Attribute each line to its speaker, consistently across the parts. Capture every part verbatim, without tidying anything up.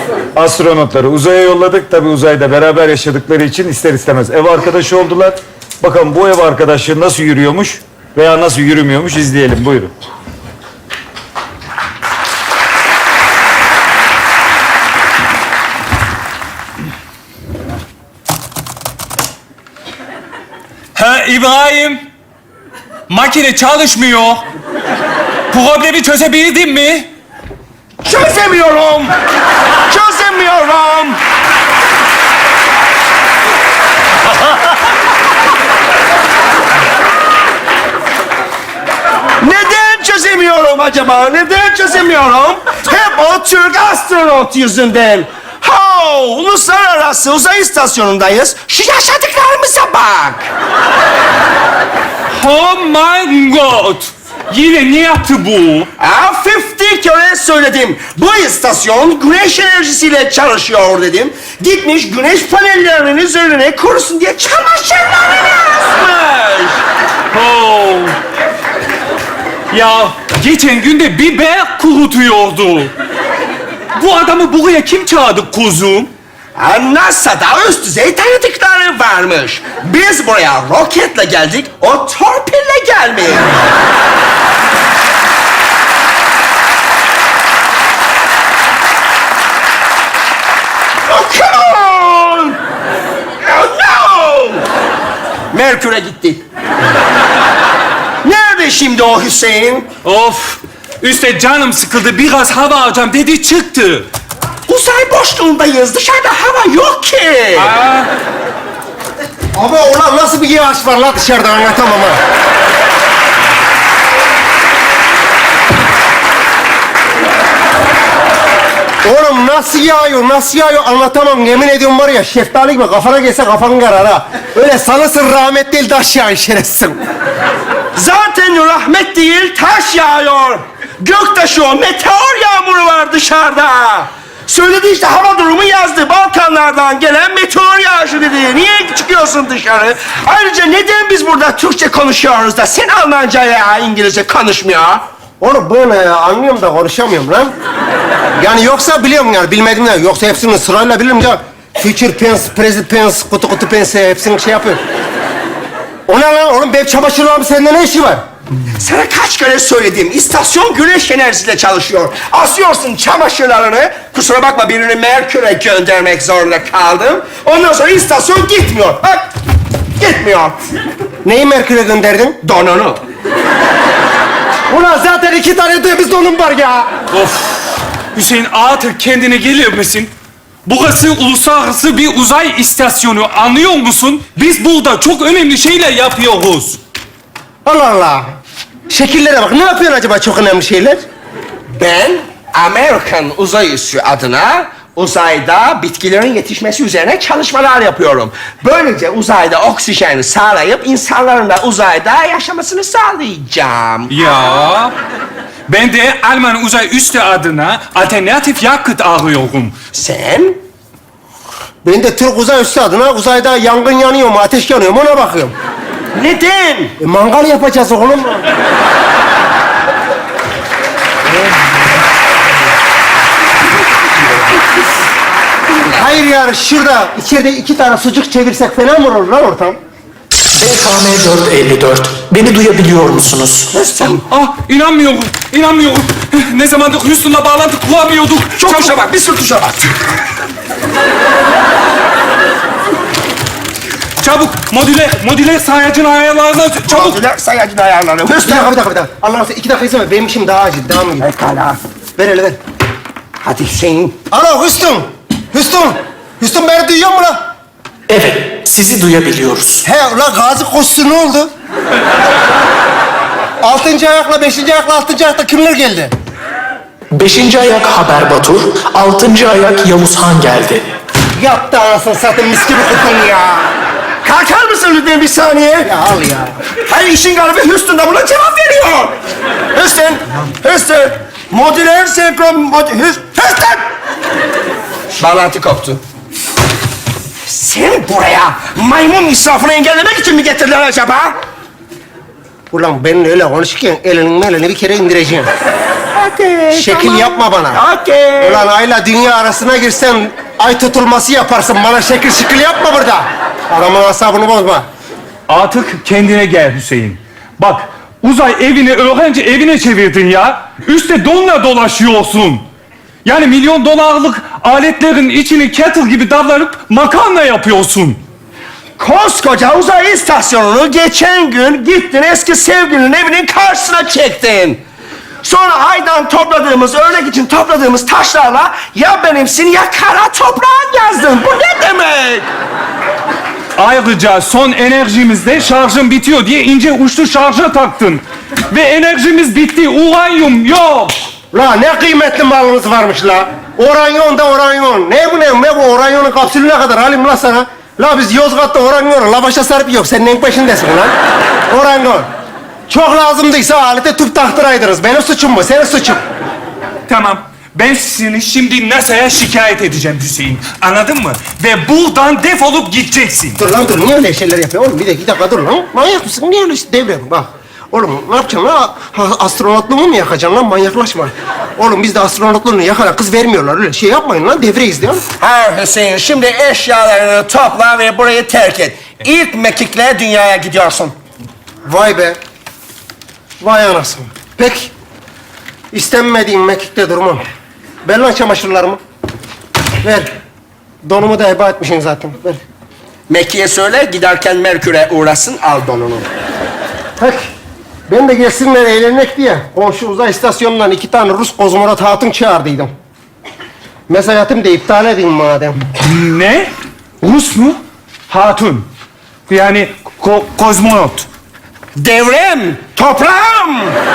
Speaker 1: Astronotları uzaya yolladık. Tabii uzayda beraber yaşadıkları için ister istemez ev arkadaşı oldular. Bakalım bu ev arkadaşlığı nasıl yürüyormuş veya nasıl yürümüyormuş izleyelim. Buyurun.
Speaker 2: Ha İbrahim, makine çalışmıyor. Problemi çözebildin mi?
Speaker 3: Çözemiyorum. Çözemiyorum. Neden çözemiyorum acaba? Neden çözemiyorum? Hep o Türk astronot yüzünden. Ha, uluslararası uzay istasyonundayız. Şu yaşadıklarımıza bak.
Speaker 2: Oh my God! Yine ne yaptı bu?
Speaker 3: Ha, elli kere söyledim. Bu istasyon güneş enerjisiyle çalışıyor dedim. Gitmiş güneş panellerinin üzerine kurusun diye çamaşırlarını asmış.
Speaker 2: Oh. Ya geçen günde biber kurutuyordu. Bu adamı buraya kim çağırdı kuzum?
Speaker 3: Ha, NASA'da üst düzey tanıdıkları varmış. Biz buraya roketle geldik, o torpille gelmiş. Oh, come on! Oh, no! Merkür'e gitti. Nerede şimdi o Hüseyin?
Speaker 2: Of! Üste canım sıkıldı, biraz hava alacağım dedi çıktı.
Speaker 3: Uzay boşluğundayız. Dışarıda hava yok ki.
Speaker 2: Aa,
Speaker 4: Ama ulan nasıl bir yağış var la dışarıda anlatamam ha. Oğlum nasıl yağıyor, nasıl yağıyor anlatamam. Yemin ediyorum var ya şeftali gibi kafana gelse kafanın karar ha. Öyle sanırsın rahmet değil taş yağıyor şerefsiz.
Speaker 3: Zaten rahmet değil, taş yağıyor. Göktaşı o, meteor yağmuru var dışarıda. Söyledi işte, hava durumu yazdı. Balkanlardan gelen meteor yağışı dedi. Niye çıkıyorsun dışarı? Ayrıca neden biz burada Türkçe konuşuyoruz da sen Almanca ya İngilizce konuşmuyor?
Speaker 4: Oğlum ben e, anlıyorum da konuşamıyorum lan. Yani yoksa biliyorum yani bilmediğimden. Yoksa hepsini sırayla bilirim ya. Future tense, present tense, kutu kutu pense hepsini şey yapıyorum. O ne lan oğlum? Benim çamaşırlarım sende ne işi var?
Speaker 3: Sana kaç kere söyledim, istasyon güneş enerjisiyle çalışıyor. Asıyorsun çamaşırlarını, kusura bakma birini Merkür'e göndermek zorunda kaldım. Ondan sonra istasyon gitmiyor. Bak, gitmiyor.
Speaker 4: Neyi Merkür'e gönderdin?
Speaker 3: Donunu.
Speaker 4: Ulan zaten iki tane temiz donum var ya.
Speaker 2: of! Hüseyin artık kendine gelir misin? Burası uluslararası bir uzay istasyonu, anlıyor musun? Biz burada çok önemli şeyler yapıyoruz.
Speaker 4: Allah Allah. Şekillere bak. Ne yapıyorsun acaba çok önemli şeyler?
Speaker 3: Ben Amerikan Uzay Üssü adına uzayda bitkilerin yetişmesi üzerine çalışmalar yapıyorum. Böylece uzayda oksijeni sağlayıp insanların da uzayda yaşamasını sağlayacağım.
Speaker 2: Ya, ben de Alman Uzay Üssü adına alternatif yakıt arıyorum.
Speaker 3: Sen?
Speaker 4: Ben de Türk Uzay Üssü adına uzayda yangın yanıyor mu, ateş yanıyor mu ona bakıyorum.
Speaker 3: Neden?
Speaker 4: E, mangal yapacağız oğlum. Hayır yani şurada içeride iki tane sucuk çevirsek fena mı olur lan ortam?
Speaker 5: B K M dört elli dört. Beni duyabiliyor musunuz?
Speaker 2: Ah, inanmıyorum, inanmıyorum. Ne zamandır Houston'la bağlantı kuramıyorduk.
Speaker 3: Çok tuşa bak, bir sürü tuşa bak.
Speaker 2: Çabuk, modüler, modüler sayacın ayarlarına çabuk.
Speaker 3: Modüler sayacın ayarları.
Speaker 4: Bir dakika, bir dakika, bir dakika. Allah'ım sen iki dakika izin ver. Benim işim daha acil. Devam edin.
Speaker 3: Pekala.
Speaker 4: Ver hele ver.
Speaker 3: Hadi Hüseyin.
Speaker 4: Alo Hüsnü. Hüsnü. Hüsnü beni duyuyor mu lan?
Speaker 5: Evet, sizi duyabiliyoruz.
Speaker 4: He ulan Gazi Koçsu ne oldu? Altıncı ayakla beşinci ayakla altıncı ayakta kimler geldi?
Speaker 5: Beşinci ayak Haber Batur, altıncı ayak Yavuz Han geldi.
Speaker 4: Yaptı anasını satayım mis gibi kutun ya.
Speaker 3: Kalkar mısın lütfen bir saniye?
Speaker 4: Ya al ya.
Speaker 3: Hayır, işin galibi Houston da buna cevap veriyor. Houston, Houston. Modüler senkron... Mod Houston! Bağlantı koptu. Sen buraya maymun israfını engellemek için mi getirdiler acaba?
Speaker 4: Ulan benimle öyle konuşurken elinin melini bir kere indireceğim.
Speaker 3: Okey.
Speaker 4: Şekil
Speaker 3: tamam.
Speaker 4: yapma bana.
Speaker 3: Okey.
Speaker 4: Ulan ayla dünya arasına girsen ay tutulması yaparsın. Bana şekil şekil yapma burada. Adamın asabını bozma.
Speaker 2: Artık kendine gel Hüseyin. Bak, Uzay evini öğrenci evine çevirdin ya. Üste donla dolaşıyorsun. Yani milyon dolarlık aletlerin içini kettle gibi davranıp makarna yapıyorsun.
Speaker 3: Koskoca uzay istasyonunu geçen gün gittin eski sevgilinin evinin karşısına çektin. Sonra aydan topladığımız, örnek için topladığımız taşlarla ya benimsin ya kara toprağın yazdın. Bu ne demek?
Speaker 2: Ayrıca son enerjimizde şarjım bitiyor diye ince uçlu şarja taktın. Ve enerjimiz bitti, uranyum yok.
Speaker 4: La ne kıymetli malınız varmış la. Oranyon da oranyon. Ne bu ne? Ne bu oranyonun kapsülü ne kadar alayım la sana? La biz Yozgat'ta oranyonu lavaşa sarıp yok. Sen neyin peşindesin lan? Oranyon. Çok lazımdıysa alete tüp taktıraydınız. Benim suçum mu? Senin suçun.
Speaker 2: Tamam. Ben seni şimdi NASA'ya şikayet edeceğim Hüseyin. Anladın mı? Ve buradan defolup gideceksin.
Speaker 4: Dur lan dur. Niye öyle şeyler yapıyorsun oğlum? Bir dakika, bir dakika dur lan. Manyak mısın? Niye öyle işte devrem? Bak. Oğlum ne yapacaksın lan? Ha, astronotluğumu mu yakacaksın lan? Manyaklaşma. Oğlum bizde astronotluğunu yakana kız vermiyorlar. Öyle şey yapmayın lan. Devreyiz diyorum.
Speaker 3: Ha Hüseyin, şimdi eşyalarını topla ve burayı terk et. İlk mekikle dünyaya gidiyorsun.
Speaker 4: Vay be. Vay anasını. Peki. İstenmediğim mekikte durmam. Ver lan çamaşırlarımı. Ver. Donumu da heba etmişsin zaten. Ver.
Speaker 3: Mekke'ye söyle, giderken Merkür'e uğrasın, al donunu.
Speaker 4: Peki. Ben de gelsinler eğlenmek diye komşu uzay istasyonundan iki tane Rus kozmonot hatun çağırdıydım. Mesajatım da iptal edeyim madem.
Speaker 2: Ne? Rus mu? Hatun. Yani ko- kozmonot.
Speaker 3: Devrem, toprağım.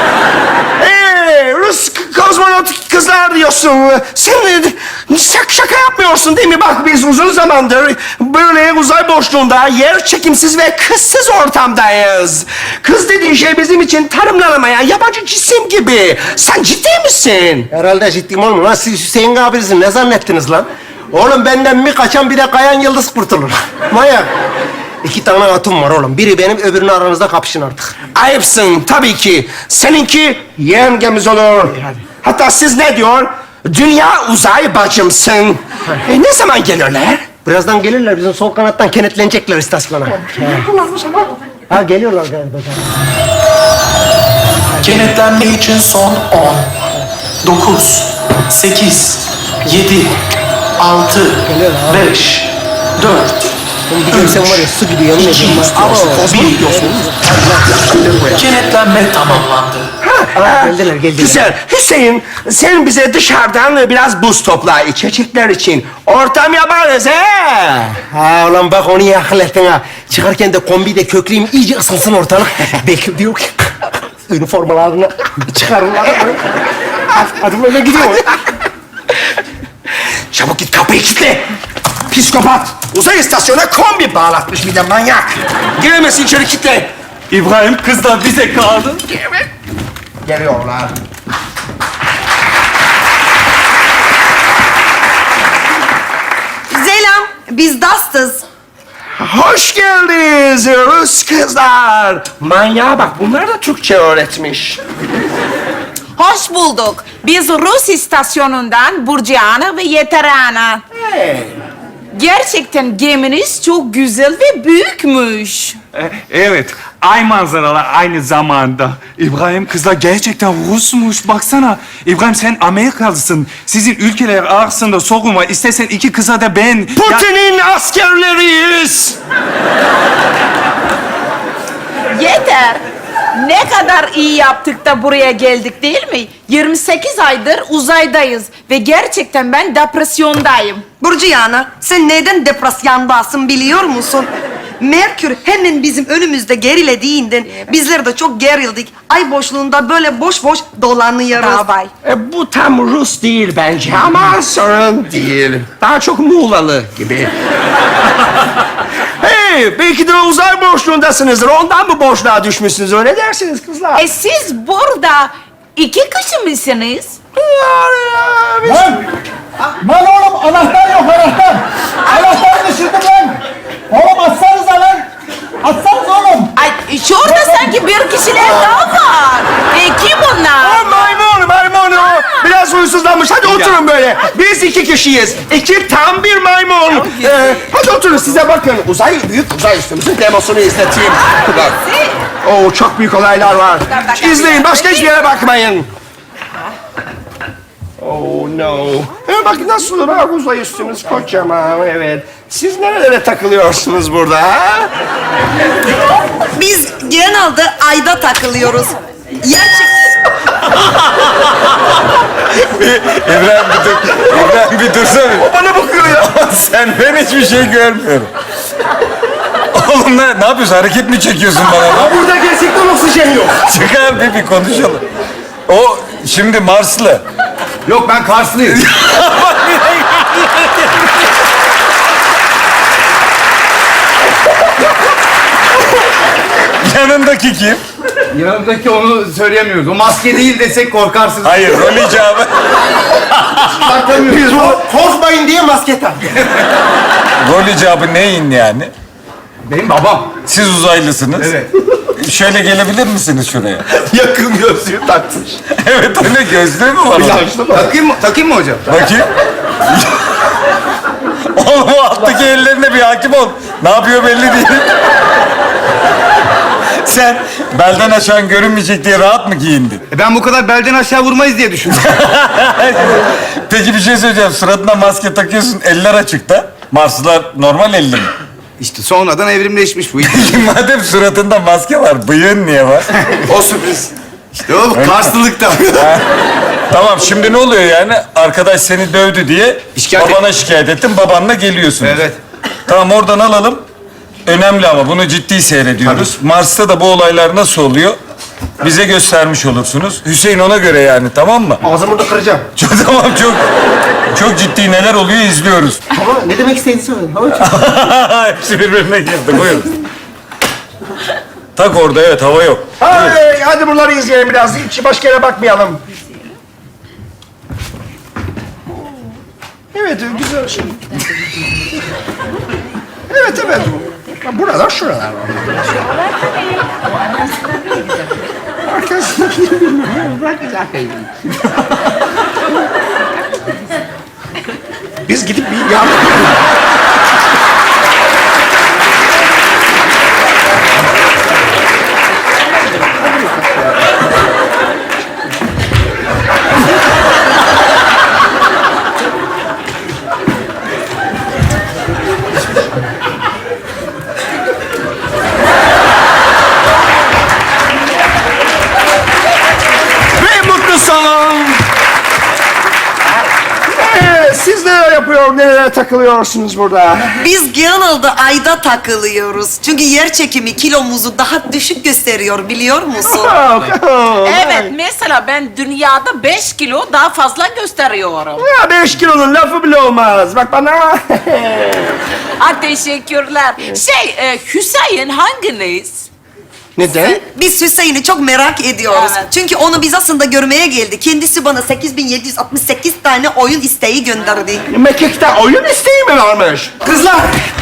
Speaker 3: Ee, Rus k- kozmonot kızlar diyorsun. Sen e, şak şaka yapmıyorsun değil mi? Bak biz uzun zamandır böyle uzay boşluğunda yer çekimsiz ve kızsız ortamdayız. Kız dediğin şey bizim için tanımlanamayan yabancı cisim gibi. Sen ciddi misin?
Speaker 4: Herhalde ciddiyim oğlum. Lan siz Hüseyin abinizin ne zannettiniz lan? Oğlum benden bir kaçan bir de kayan yıldız kurtulur. Manyak. İki tane hatun var oğlum. Biri benim, öbürünü aranızda kapışın artık.
Speaker 3: Ayıpsın tabii ki. Seninki yengemiz olur. Hatta siz ne diyor? Dünya uzay bacımsın. E, ne zaman gelirler?
Speaker 4: Birazdan gelirler. Bizim sol kanattan kenetlenecekler istasyona. Ha geliyorlar galiba.
Speaker 5: Kenetlenme için son on, dokuz, sekiz, yedi, altı, beş, dört,
Speaker 4: Bir görsen var ya su gibi yemin ediyorum. Ama
Speaker 5: bir. Kenetlenme tamamlandı.
Speaker 4: Aa, geldiler geldiler.
Speaker 3: Güzel. Hüseyin, sen bize dışarıdan biraz buz topla içecekler için. Ortam yaparız he.
Speaker 4: Ha ulan bak onu iyi akıl ettin ha. Çıkarken de kombide kökleyeyim iyice ısınsın ortalık. Bekir diyor ki üniformalarını çıkarırlar. Hadi, hadi böyle gidiyor.
Speaker 3: Çabuk git kapıyı kilitle. Psikopat. Uzay istasyonuna kombi bağlatmış bir de manyak. Giremesin içeri kilitle.
Speaker 2: İbrahim kızlar bize kaldı.
Speaker 3: Geliyorlar.
Speaker 6: Selam, biz Dastız.
Speaker 3: Hoş geldiniz Rus kızlar. Manyağa bak, bunlar da Türkçe öğretmiş.
Speaker 6: Hoş bulduk. Biz Rus istasyonundan Burcu'na ve Yeterana.
Speaker 3: Hey.
Speaker 6: Gerçekten geminiz çok güzel ve büyükmüş.
Speaker 2: E, Evet, ay manzaralar aynı zamanda. İbrahim kızlar gerçekten Rusmuş. Baksana. İbrahim sen Amerikalısın. Sizin ülkeler arasında sorun var. İstersen iki kıza da ben... Ya-
Speaker 3: Putin'in askerleriyiz.
Speaker 6: Yeter. Ne kadar iyi yaptık da buraya geldik değil mi? yirmi sekiz aydır uzaydayız ve gerçekten ben depresyondayım.
Speaker 7: Burcu Yana, sen neden depresyondasın biliyor musun? Merkür hemen bizim önümüzde gerilediğinden bizler de çok gerildik. Ay boşluğunda böyle boş boş dolanıyoruz.
Speaker 6: Davay.
Speaker 3: E, bu tam Rus değil bence ama sorun değil. Daha çok Muğlalı gibi. Hey, belki de uzay boşluğundasınızdır. Ondan mı boşluğa düşmüşsünüz? Öyle dersiniz kızlar.
Speaker 6: E siz burada iki kişi misiniz?
Speaker 8: Lan! Lan oğlum anahtar yok anahtar! Anahtarı düşürdüm lan! Oğlum atsanıza lan! Atsanız oğlum!
Speaker 6: Ay şurada sanki bir kişiler daha var. E kim onlar?
Speaker 3: Maymun, maymun. oturun böyle. Biz iki kişiyiz. İki tam bir maymun. Ee, hadi oturun size bakın. Uzay, büyük uzay üstümüzün demosunu izleteyim. Bak. Oo, çok büyük olaylar var. İzleyin, başka hiçbir yere bakmayın. Oh no. Ee, bak nasıl var uzay üstümüz kocaman, evet. Siz nerelere takılıyorsunuz burada ha?
Speaker 7: Biz genelde ayda takılıyoruz. Gerçek...
Speaker 1: İbrahim bir dur. İbrahim bir dursana.
Speaker 3: O bana bakıyor ya.
Speaker 1: Sen ben hiçbir şey görmüyorum. Oğlum ne, ne yapıyorsun? Hareket mi çekiyorsun bana?
Speaker 3: Ya burada gerçekten oksijen yok.
Speaker 1: Çıkar bir, bir konuşalım. O şimdi Marslı.
Speaker 8: Yok ben Karslıyım.
Speaker 1: Yanındaki kim?
Speaker 8: Yanımdaki onu söyleyemiyoruz. O maske değil desek korkarsınız.
Speaker 1: Hayır, rol icabı.
Speaker 3: Biz bu...
Speaker 4: Korkmayın diye maske tak.
Speaker 1: Rol icabı neyin yani?
Speaker 8: Benim babam.
Speaker 1: Siz uzaylısınız.
Speaker 8: Evet.
Speaker 1: Şöyle gelebilir misiniz şuraya?
Speaker 3: Yakın gözlüğü takmış.
Speaker 1: Evet, öyle gözlüğü mü var? onun?
Speaker 8: Takayım mı? Takayım mı hocam?
Speaker 1: Bakayım. Oğlum o alttaki ellerine bir hakim ol. Ne yapıyor belli değil. Sen belden aşağı görünmeyecek diye rahat mı giyindin?
Speaker 8: E ben bu kadar belden aşağı vurmayız diye düşündüm.
Speaker 1: Peki bir şey söyleyeceğim. Suratına maske takıyorsun, eller açıkta. Marslılar normal elli mi?
Speaker 8: İşte sonradan evrimleşmiş bu.
Speaker 1: Madem suratında maske var, bıyığın niye var?
Speaker 8: O sürpriz. İşte o Karslılıkta.
Speaker 1: Tamam, şimdi ne oluyor yani? Arkadaş seni dövdü diye
Speaker 8: Şikayet et-
Speaker 1: babana şikayet ettin, babanla geliyorsunuz.
Speaker 8: Evet.
Speaker 1: Tamam, oradan alalım. Önemli ama bunu ciddi seyrediyoruz. Mars'ta da bu olaylar nasıl oluyor? Bize göstermiş olursunuz. Hüseyin ona göre yani, tamam mı?
Speaker 4: Ağzımı da kıracağım.
Speaker 1: Çok, tamam, çok çok ciddi neler oluyor izliyoruz.
Speaker 4: Ama ne demek istediğini söyledim.
Speaker 1: Hepsi birbirine girdi, buyurun. Tak orada, evet, hava yok.
Speaker 3: Hey, hadi bunları izleyelim biraz. Hiç başka yere bakmayalım. Evet, güzel şey. Evet, evet. Buralar, şuralar. Arkadaşlar, bırak güzel Biz gidip bir yardım... Ve mutlu son. Ee, siz neler yapıyor, nerelere takılıyorsunuz burada?
Speaker 7: Biz genelde ayda takılıyoruz. Çünkü yer çekimi kilomuzu daha düşük gösteriyor biliyor musun?
Speaker 6: Evet, mesela ben dünyada beş kilo daha fazla gösteriyorum.
Speaker 3: Ya beş kilonun lafı bile olmaz. Bak bana.
Speaker 6: Ha, teşekkürler. Şey, e, Hüseyin hanginiz?
Speaker 3: Neden?
Speaker 7: Biz Hüseyin'i çok merak ediyoruz.
Speaker 6: Evet.
Speaker 7: Çünkü onu biz aslında görmeye geldi. Kendisi bana sekiz bin yedi yüz altmış sekiz tane oyun isteği gönderdi.
Speaker 3: Mekik'te oyun isteği mi varmış?
Speaker 4: Kızlar!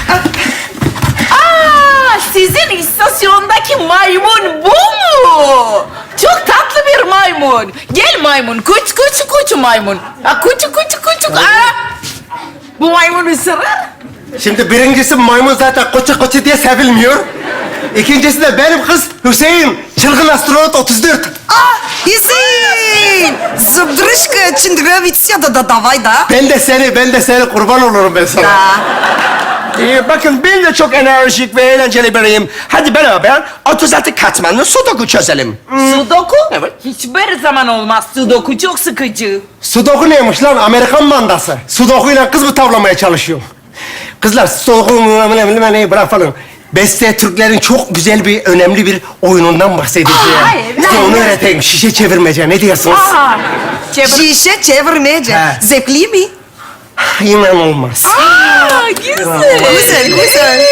Speaker 6: Aa, sizin istasyondaki maymun bu mu? Çok tatlı bir maymun. Gel maymun, kuç kuç kuç maymun. Ha, kuç kuç kuç. Aa, bu maymun ısırır.
Speaker 4: Şimdi birincisi maymun zaten koça koça diye sevilmiyor. İkincisi de benim kız Hüseyin. Çılgın astronot otuz dört.
Speaker 7: Ah Hüseyin! Zıbrışka çındırevitsia da da davay da.
Speaker 4: Ben de seni, ben de seni kurban olurum ben sana.
Speaker 7: Ya.
Speaker 3: Ee, bakın ben de çok enerjik ve eğlenceli biriyim. Hadi beraber otuz altı katmanlı sudoku çözelim.
Speaker 6: Sudoku? Evet. Hiçbir zaman olmaz. Sudoku çok sıkıcı.
Speaker 4: Sudoku neymiş lan? Amerikan mandası. Sudoku'yla kız mı tavlamaya çalışıyor? Kızlar, Sudoku'nun neyi bırak falan. Beste Türklerin çok güzel bir, önemli bir oyunundan bahsedeceğim.
Speaker 6: Aa, evet.
Speaker 4: Size onu öğreteyim. Şişe çevirmece. Ne diyorsunuz?
Speaker 6: Aa, çevir.
Speaker 7: Şişe çevirmece.
Speaker 4: He.
Speaker 7: Zevkli mi?
Speaker 4: İnanılmaz.
Speaker 6: Aa, güzel.
Speaker 7: Güzel, güzel.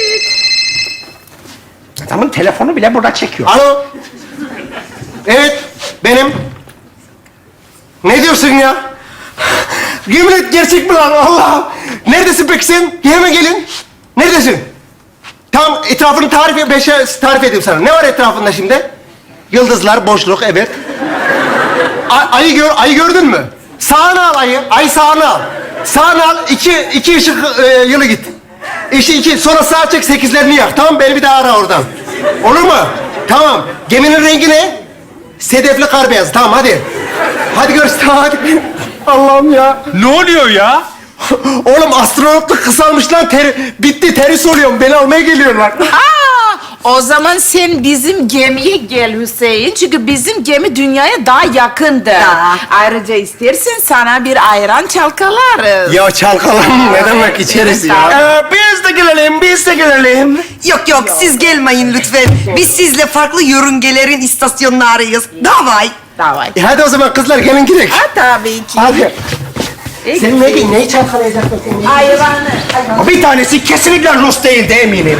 Speaker 3: Adamın telefonu bile burada çekiyor.
Speaker 4: Alo. Evet, benim. Ne diyorsun ya? Yemin et, gerçek mi lan? Allah! Neredesin peki sen? Hemen gelin. Neredesin? Tam etrafını tarif et, beşe tarif edeyim sana. Ne var etrafında şimdi? Yıldızlar, boşluk, evet. A- ayı gör, ayı gördün mü? Sağına al ayı. Ayı sağına al. Sağına al. İki, iki ışık e, yılı git. İşte iki. Sonra sağa çek sekizlerini yak. Tamam beni bir daha ara oradan. Olur mu? Tamam. Geminin rengi ne? Sedefli kar beyazı. Tamam hadi. Hadi görüşürüz. Tamam hadi. Allah'ım ya.
Speaker 2: Ne oluyor ya?
Speaker 4: Oğlum astronotluk kısalmış lan. Ter, bitti. Teris oluyorum. Beni almaya geliyorlar.
Speaker 6: Aa, o zaman sen bizim gemiye gel Hüseyin. Çünkü bizim gemi dünyaya daha yakındır.
Speaker 7: Ya.
Speaker 6: Ayrıca istersen sana bir ayran çalkalarız.
Speaker 4: Ya çalkalan ne demek içeriz ya.
Speaker 3: Ee, biz de gelelim, biz de gelelim.
Speaker 7: Yok yok siz gelmeyin lütfen. Biz sizle farklı yörüngelerin istasyonlarıyız. Davay.
Speaker 6: Davay.
Speaker 4: E hadi o zaman kızlar gelin gidelim.
Speaker 6: Ha, tabii ki.
Speaker 4: Hadi. Sen ne, neyi çalkalayacaksın sen?
Speaker 6: Ayranı.
Speaker 3: Bir tanesi kesinlikle Rus değil de eminim.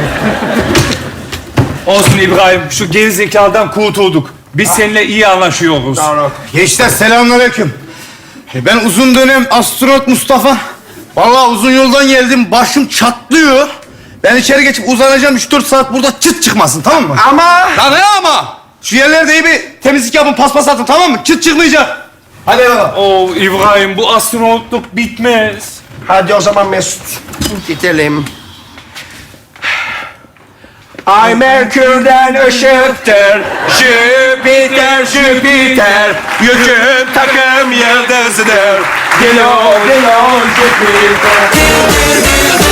Speaker 2: Olsun İbrahim, şu gerizekalıdan kurtulduk. Biz seninle iyi anlaşıyoruz.
Speaker 8: Gençler selamünaleyküm. E, Ben uzun dönem astronot Mustafa. Vallahi uzun yoldan geldim. Başım çatlıyor. Ben içeri geçip uzanacağım. Üç dört saat burada çıt çıkmasın, tamam mı?
Speaker 3: Ama
Speaker 8: Ya ne ama? Şu yerlerde iyi bir temizlik yapın, paspas atın, tamam mı? Çıt çıkmayacak. Hadi bakalım.
Speaker 2: Oo İbrahim, bu astronotluk bitmez.
Speaker 3: hadi o zaman Mesut gidelim. Ay Merkür'den ışıktır, Jüpiter, Jüpiter, yüküm takım yıldızıdır. Dilo, dilo, Jüpiter.